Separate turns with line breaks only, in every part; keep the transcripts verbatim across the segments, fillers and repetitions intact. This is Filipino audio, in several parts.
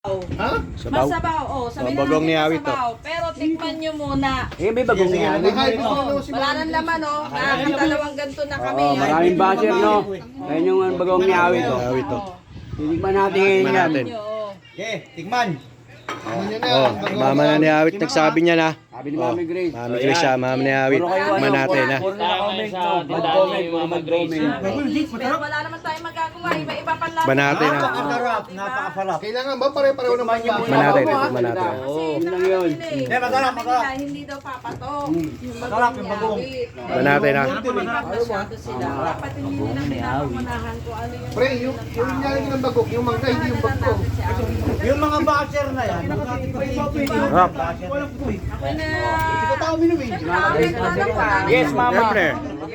Ha?
Sabaw.
Masabaw, oh. Sabihin
Oh,
na
bagong
natin
niawit to.
masabaw. Pero tikman nyo muna.
Eh, may bagong
Sige,
nga.
sige.
Oh, wala nang laman, oh. Nakakatalawang ganito na kami.
Oo, maraming basher, no? Ayun yung ano, bagong niawit to.
Niawit to.
Titigman natin ngayon
Tikman
yan.
natin.
Oh.
Okay, tikman.
Ano yun na?
Oh, mama na ni Awit nagsabi niya na.
Sabi ni
Oh,
Mami Grace.
Mami Grace siya, mama ni Awit.
Puro kayo,
Tikman
ano,
natin ha.
puro naka-comment, no? Mag-comment, puro mag-comment.
Pero wala naman tayong magagawa. Iba-iba pang lasa.
Tikman natin ha.
Napakasarap, napakasarap.
Kailangan ba pare-pareho ng pagkain?
Tikman natin, tikman natin.
Kasi
Oo,
yun
yun
lang
lang yun.
nila eh.
Eh, masarap,
Sabi
masarap.
nila, hindi daw papatok. Yung
Masarap yung bagong.
niawit.
Tikman natin ha.
Masyado sila. Dapat hindi nila pinapamunahan kung ano yung...
Pre, yung yung nilalagay ng bagok, yung mangga, hindi yung bagok.
Yung mga basher na yan,
Sarap.
Ako na...
Tao minumi.
Yes, mama.
Siyempre.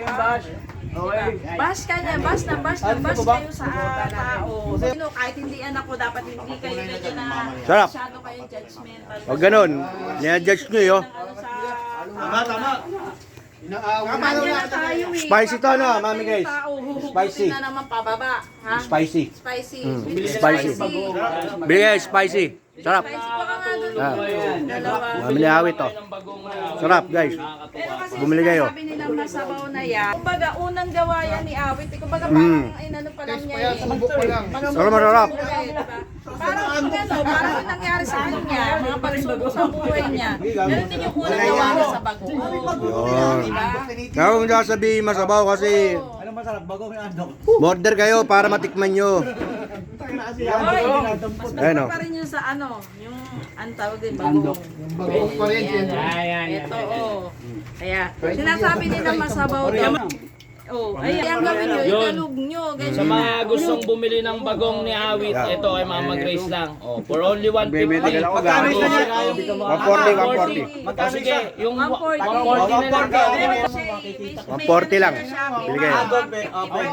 Bash ka niya, bash na bash na bash kayo sa tao. Sino, kahit hindi anak ko, dapat hindi kayo medyo na
Sarap.
masyado kayong judgmental.
Huwag ganun. Nia-judge nyo yun.
Ano sa
tama, tama.
Inaaway.
Nandiyan na tayo eh.
Spicy to, no, Mami Grace?
Spicy.
Spicy.
na naman pababa. Ha?
Spicy.
Spicy.
Mm,
Spicy.
spicy. Bigay, spicy. Sarap.
Spicy pa ka nga doon.
Ah.
Dalawa.
Mami ni Awit to. Sarap guys.
Pero kasi
Bumili kayo.
sabi nilang masabaw na yan. Kumbaga, unang gawa yan ni Awit. eh. Kumbaga,
Mm.
parang inano pa lang
Test
niya
pa yan,
eh.
sa bubok pa lang.
Sarap, masarap.
Diba? Parang kung ano, parang yung nangyari sa kanya, mga pagsubok sa buhay niya. Meron din yung unang gawa niya sa bago.
Yun.
Diba?
Kaya kung sasabihin masabaw kasi
Ano masarap, bagong yung andok.
border kayo para matikman nyo.
Hoy, mas
Ayun, oh.
pa rin yung sa ano, yung ang tawag din bago.
Yung bagok pa rin. yan.
Ito, oh. Kaya, sinasabi nila masabaw daw. Oh, ay, ang gawin nyo, italog nyo.
Sa mga gustong bumili ng bagong ni Awit, ito kay Mama Grace lang. Oh, for only one fifty.
Bibili ka lang ako
Magkano isa niya?
one forty, one forty.
Magkano sige, yung
one forty.
one forty na lang.
one forty lang. Bili kayo.
Andok, eh. Oh, pwede.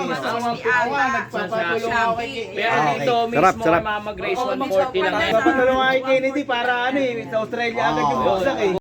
Pero dito mismo
Sarap, sarap.
kay Mama Grace, one forty lang.
Papatulong kay Kennedy para ano eh, sa Australia agad yung buksak eh.